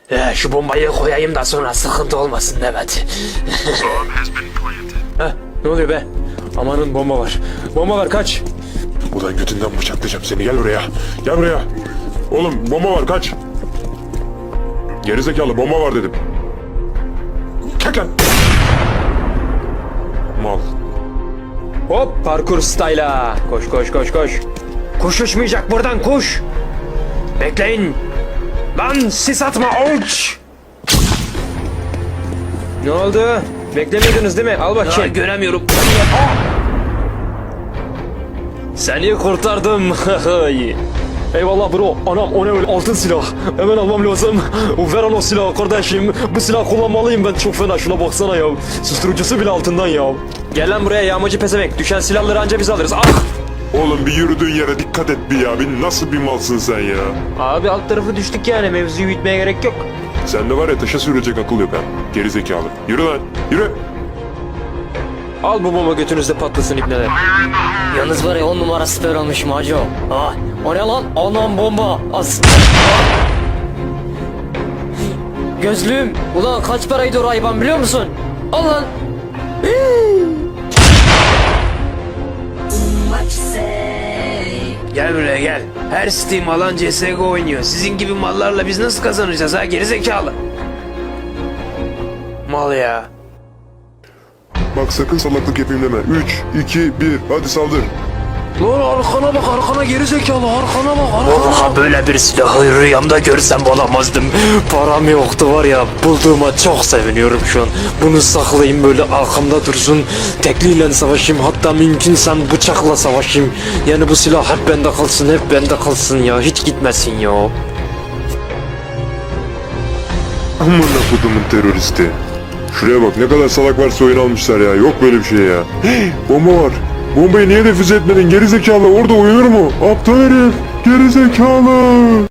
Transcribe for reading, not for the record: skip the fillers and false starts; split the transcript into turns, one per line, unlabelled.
Şu bombayı koyayım da sonra sıkıntı olmasın Mehmet. Ne oluyor be? Amanın bomba var. Bomba var, kaç.
Ulan götünden bıçaklayacağım seni, gel buraya. Gel buraya. Oğlum bomba var, kaç. Gerizekalı, bomba var dedim. Kalk lan. Mal.
Hop, parkur style'a. Koş koş koş koş. Kuş uçmayacak buradan, kuş. Bekleyin. Lan sis atma, uç. Ne oldu? Beklemiyordunuz değil mi? Al bakayım. Göremiyorum. Seni kurtardım. Eyvallah bro. Anam, o ne öyle, altın silah. Hemen almam lazım. Ver o silahı kardeşim. Bu silah kullanmalıyım ben, çok fena, şuna baksana ya. Susturucusu bile altından ya. Gel lan buraya yağmacı pezevenk. Düşen silahları anca biz alırız. Ah!
Oğlum bir yürüdüğün yere dikkat et bir ya. Bir nasıl bir malsın sen ya?
Abi alt tarafı düştük yani, mevzuyu büyütmeye gerek yok.
Sende var ya, taşa sürecek akıl yok ha. Gerizekalı. Yürü lan, yürü.
Al bu bomba, götünüzde patlasın ibneler.
Yalnız var ya 10 numara süper olmuş Maco. Ah, o ne lan? Anam bomba. As. Gözlüğüm. Ulan kaç paraydı o Ray-Ban biliyor musun? Al lan.
Gel buraya gel. Her Steam alan CSGO oynuyor. Sizin gibi mallarla biz nasıl kazanacağız ha, gerizekalı? Mal ya.
Bak sakın salaklık yapayım deme. 3, 2, 1, hadi saldır.
Lan arkana bak, arkana gerizekalı, arkana bak, arkana.
Vallahi böyle bir silahı rüyamda görsem olamazdım. Param yoktu var ya, bulduğuma çok seviniyorum şu an. Bunu saklayayım, böyle arkamda dursun. Tekliyle savaşayım, hatta mümkünse bıçakla savaşayım. Yani bu silah hep bende kalsın, hep bende kalsın ya, hiç gitmesin ya.
Amına kodumun teröristi. Şuraya bak, ne kadar salak varsa oyun almışlar ya. Yok böyle bir şey ya. Hey, bomba var. Bombayı niye defüze etmedin gerizekalı? Orada uyunur mu? Aptal herif. Gerizekalı.